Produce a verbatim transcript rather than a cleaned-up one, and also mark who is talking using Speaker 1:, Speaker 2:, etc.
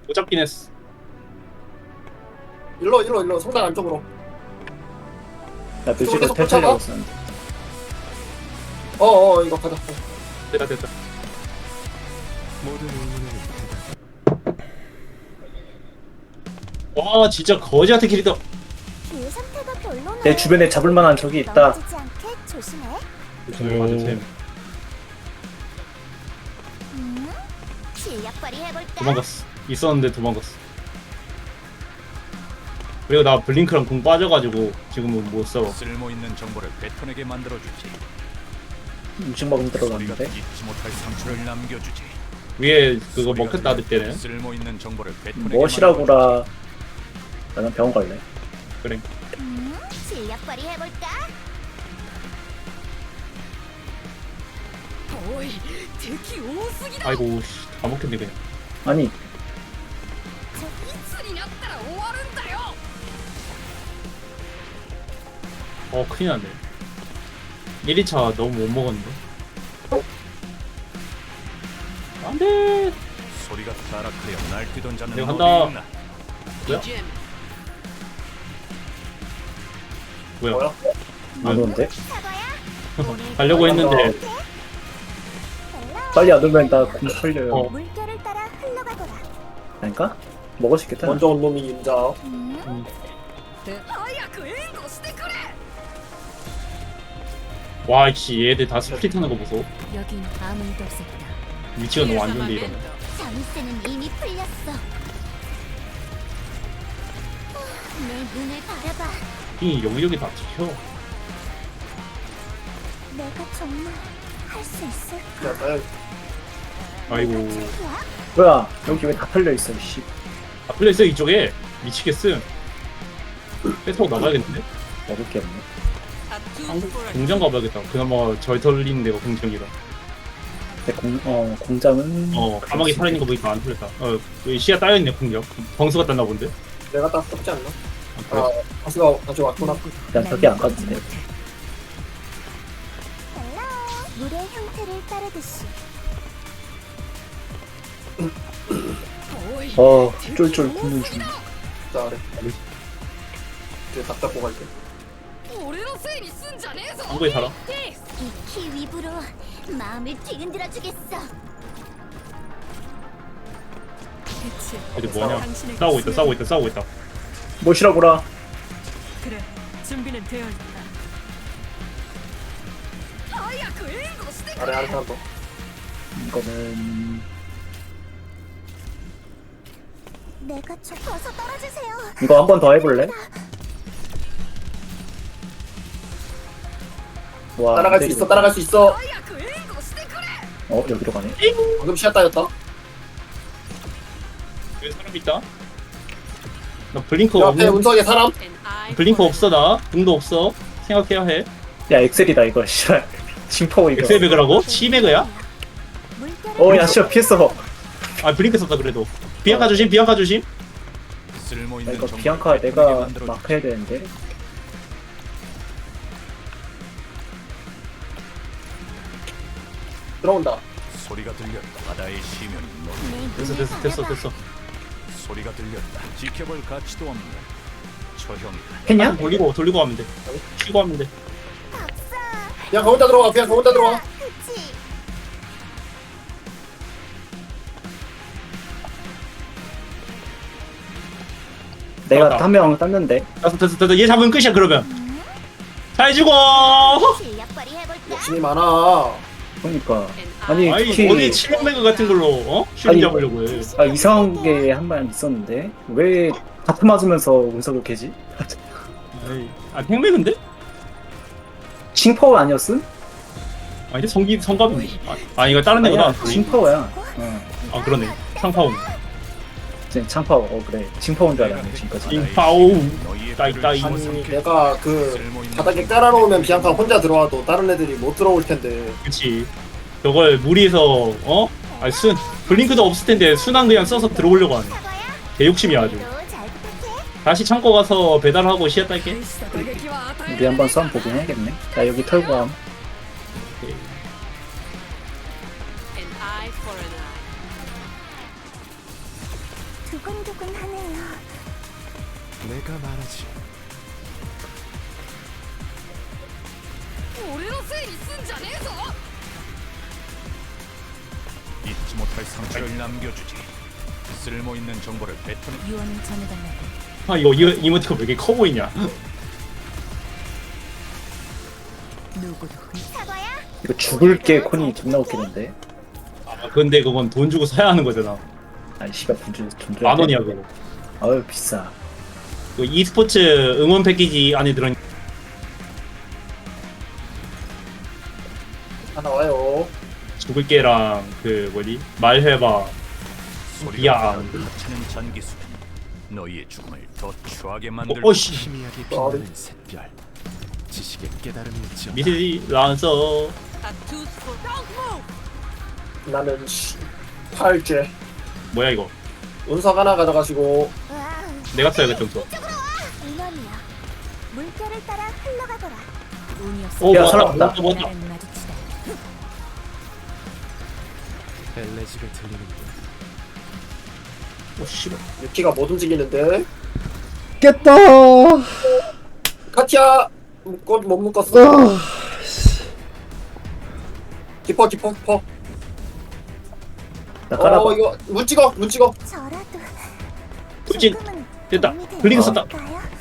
Speaker 1: 못 잡긴 했어.
Speaker 2: 일로 일로 일로 성당 안쪽으로.
Speaker 3: 나 뮤직을
Speaker 2: 계속
Speaker 3: 펼쳐려고
Speaker 2: 쫓아가?
Speaker 3: 했었는데.
Speaker 2: 어어 이거 가자.
Speaker 1: 됐다 됐다. 와 진짜 거지 같은 길이다.
Speaker 4: 그 상태가 별로네.
Speaker 3: 내 주변에 잡을 만한 적이 있다.
Speaker 4: 넘어지지 않게 조심해.
Speaker 1: 정말 맞아 쌤.
Speaker 4: 음? 실력 발휘해볼까?
Speaker 1: 도망갔어. 있었는데 도망갔어. 그리고 나 블링크랑 공 빠져가지고 지금은 못 싸워.
Speaker 5: 쓸모 있는 정보를 베톤에게 만들어주지.
Speaker 3: 음식 먹으면
Speaker 5: 우리가
Speaker 3: 들어갔는데.
Speaker 5: 잊지 못할 상처를 남겨주지.
Speaker 1: 위에 그거 먹혔다 할 때는
Speaker 5: 쓸모 있는 정보를 베톤에게
Speaker 3: 무엇이라고라. 나는 병원 갈래.
Speaker 1: 그래.
Speaker 4: 음? 실력 발휘해볼까?
Speaker 1: 아이고 씨, 다 먹혔네 그냥.
Speaker 3: 아니
Speaker 1: 어 큰일 났네. 일 위차 너무 못 먹었는데. 안돼.
Speaker 5: 소리가 타락하여 날뛰던 자는
Speaker 1: 내가
Speaker 5: 어디
Speaker 1: 간다.
Speaker 5: 있나?
Speaker 1: 뭐야? 뭐야?
Speaker 2: 뭐야?
Speaker 3: 안 오는데?
Speaker 4: 사과야?
Speaker 1: 가려고 했는데
Speaker 3: 빨리 안 오면 나공 털려요.
Speaker 1: 어.
Speaker 4: 물결을 따라 흘러가거라.
Speaker 3: 아닌가? 먹을 수 있겠다.
Speaker 2: 먼저 온 놈이 임자.
Speaker 4: 음?
Speaker 1: 와 씨 얘들 다 스플릿하는 거 보소.
Speaker 6: 여긴 아무도 없었다.
Speaker 1: 위치가 너무 안 좋은데 이러면.
Speaker 4: 잠새는 이미 풀렸어. 내 눈을 바라봐.
Speaker 1: 이 여기저기 다 찍혀.
Speaker 4: 내가 정말 할 수 있을까?
Speaker 2: 야, 나
Speaker 1: 아이고.
Speaker 4: 창피야?
Speaker 3: 뭐야? 여기 왜 다 털려 있어? 씨.
Speaker 1: 아 플레이스 이쪽에 미치겠음. 뺏어 나가야겠는데?
Speaker 3: 먹을 게 없네.
Speaker 1: 공장 가봐야겠다. 그나마 절 털리는 데가 공장이라.
Speaker 3: 내 공, 어, 공장은.
Speaker 1: 어 까마귀 살아있는 거 보니까 안 털렸다. 어 여기 시야 따여있네 공장. 병수가 땄나 본데?
Speaker 2: 내가 딱 썩지 않나?
Speaker 1: 아, 그래?
Speaker 2: 아 가수가 가지고 왔구나.
Speaker 3: 난 저기 안 갔는데.
Speaker 4: 헬로. 물의 형태를 따르듯이.
Speaker 3: 어, 쫄쫄 굶는 중.
Speaker 2: 자 그래. 이제 닭 잡고 갈게.
Speaker 1: 한국에 살아?
Speaker 4: 익히 위부로 마음을 뒤흔들어 주겠어.
Speaker 1: 어디 뭐냐? 싸우고 있다 싸우고 있다 싸우고 있다.
Speaker 3: 무엇이라고라.
Speaker 6: 그래, 준비는 되어 있다.
Speaker 2: 아래 아래 하나 더.
Speaker 3: 이거는.
Speaker 4: 내가 저 벗어 떨어지세요.
Speaker 3: 이거 한 번 더 해볼래? 와,
Speaker 2: 따라갈 수
Speaker 3: 근데
Speaker 2: 있어.
Speaker 3: 이거-
Speaker 2: 따라갈 수 있어.
Speaker 3: 어, 여기로 가네.
Speaker 2: 방금 시야 따였다.
Speaker 1: 여기 사람 있다? 나 블링크
Speaker 2: 저 앞에
Speaker 1: 없는
Speaker 2: 운석에 사람.
Speaker 1: 블링크 없어 나 궁도 없어. 생각해야 해.
Speaker 3: 야, 엑셀이다, 이거. 씨발. 징퍼 이거.
Speaker 1: 엑셀 배그라고? 치매그야?
Speaker 4: 물결을
Speaker 3: 어, 야, 씨발, 피했어.
Speaker 1: 아 블링크 썼다 그래도. 비앙카 조심 비앙카 조심.
Speaker 5: 쓸모
Speaker 3: 야,
Speaker 5: 있는
Speaker 3: 이거
Speaker 5: 정보를
Speaker 3: 비앙카
Speaker 5: 베톤에게
Speaker 3: 내가
Speaker 5: 만들어주지.
Speaker 3: 막 해야 되는데.
Speaker 2: 들어온다.
Speaker 5: 소리가 들렸다. 바다의 시면이 너
Speaker 4: 내
Speaker 1: 됐어
Speaker 4: 눈을
Speaker 1: 됐어 됐어
Speaker 4: 바라봐.
Speaker 1: 됐어.
Speaker 5: 소리가 들렸다. 지켜볼 가치도 없는 처형이다.
Speaker 3: 했냐?
Speaker 1: 돌리고 돌리고 가면 돼. 쉬고 하면 돼.
Speaker 4: 박사.
Speaker 2: 그냥 거 혼자 들어가. 그냥 거 혼자 들어가.
Speaker 4: 그치.
Speaker 3: 내가
Speaker 1: 맞다.
Speaker 3: 한 명 땄는데.
Speaker 1: 됐어 됐어 됐어. 얘 잡으면 끝이야 그러면. 잘 죽어.
Speaker 4: 실력 발휘해볼까?
Speaker 2: 욕심이 많아.
Speaker 3: 그러니까. 아니,
Speaker 1: 아니
Speaker 3: 특히.
Speaker 1: 어디 치명 배그 같은 걸로 어? 슈팅
Speaker 3: 아니,
Speaker 1: 잡으려고 해.
Speaker 3: 아, 이상한 게 한 번 있었는데. 왜 다트 맞으면서 운석을 깨지?
Speaker 1: 에이, 아 팽배그인데?
Speaker 3: 징퍼 아니었음?
Speaker 1: 아니 성기 성갑인데. 아, 아 이거 다른 애구나.
Speaker 3: 아니야, 징퍼야. 어.
Speaker 1: 아 그러네. 상파운.
Speaker 3: 진- 창파워. 어, 그래. 징퍼인 줄 알았네, 지금까지.
Speaker 1: 인파우.
Speaker 5: 너희의
Speaker 1: 따이,
Speaker 5: 뼈를
Speaker 1: 따이.
Speaker 5: 집어
Speaker 2: 아니
Speaker 5: 삼킬
Speaker 2: 내가 그
Speaker 5: 쓸모 있는
Speaker 2: 바닥에
Speaker 5: 정보를
Speaker 2: 깔아놓으면 비앙카 혼자 들어와도 다른 애들이 못 들어올 텐데.
Speaker 1: 그치. 저걸 무리해서 어? 아니 순 블링크도 없을 텐데 순한 그냥 써서 들어오려고 하네.
Speaker 4: 사과야?
Speaker 1: 개욕심이야 아주.
Speaker 4: 오늘도 잘 부탁해.
Speaker 1: 다시 창고 가서 배달하고 시야 딸게.
Speaker 3: 우리 한번 싸움 보긴 해야겠네. 나 여기 털고 함.
Speaker 4: 두근두근하네요.
Speaker 7: 내가 말하지.
Speaker 5: 잊지 못할 상처를 남겨주지. 쓸모 있는 정보를 뱉어내.
Speaker 6: 유언을 전해달라고.
Speaker 1: 아 이거 이, 이모티콘 왜 이렇게 커 보이냐?
Speaker 6: 누구도 흠-
Speaker 4: 사과야.
Speaker 3: 이거 죽을게 콘이 존나 웃기는데.
Speaker 1: 아 근데 그건 돈 주고 사야 하는 거잖아.
Speaker 3: 아니 씨발 분주 존중.
Speaker 1: 만 원이야 그거.
Speaker 3: 아유 비싸.
Speaker 1: 그 e스포츠 응원 패키지 안에 들어.
Speaker 2: 하나 와요.
Speaker 1: 죽을게랑 그 뭐지 말해봐.
Speaker 5: 소리가
Speaker 1: 야.
Speaker 5: 들려 하찮은 잔기술. 너희의 죽음을 더 추하게
Speaker 1: 어,
Speaker 5: 만들.
Speaker 1: 어씨
Speaker 7: 희미하게 빛나는 샛별. 지식의 깨달음이 있지.
Speaker 1: 미세지 라서
Speaker 2: 나는 씨, 팔째.
Speaker 1: 뭐야 이거?
Speaker 2: 운석 하나 가져가시고.
Speaker 4: 와,
Speaker 1: 내가 써야겠다 좀.
Speaker 4: 인연이야. 물결을 따라 흘러가거라.
Speaker 6: 운이 없어.
Speaker 1: 오
Speaker 3: 야,
Speaker 1: 뭐야?
Speaker 3: 살아났다.
Speaker 1: 뭐야? 뭐야?
Speaker 6: 나를 마주치다.
Speaker 7: 엘레지가 들리는군.
Speaker 1: 오 씨발.
Speaker 2: 유키가 못 움직이는데.
Speaker 8: 깼다.
Speaker 2: 카티야! 묶어, 못 묶었어. 깊어, 깊어, 깊어.
Speaker 3: 나 깔아봐.
Speaker 2: 어, 이거, 문 찍어, 문 찍어.
Speaker 4: 저라도
Speaker 1: 돌진.
Speaker 4: 조금은
Speaker 1: 됐다.
Speaker 4: 도움이 되지
Speaker 1: 블링크 썼다.
Speaker 4: 않을까요?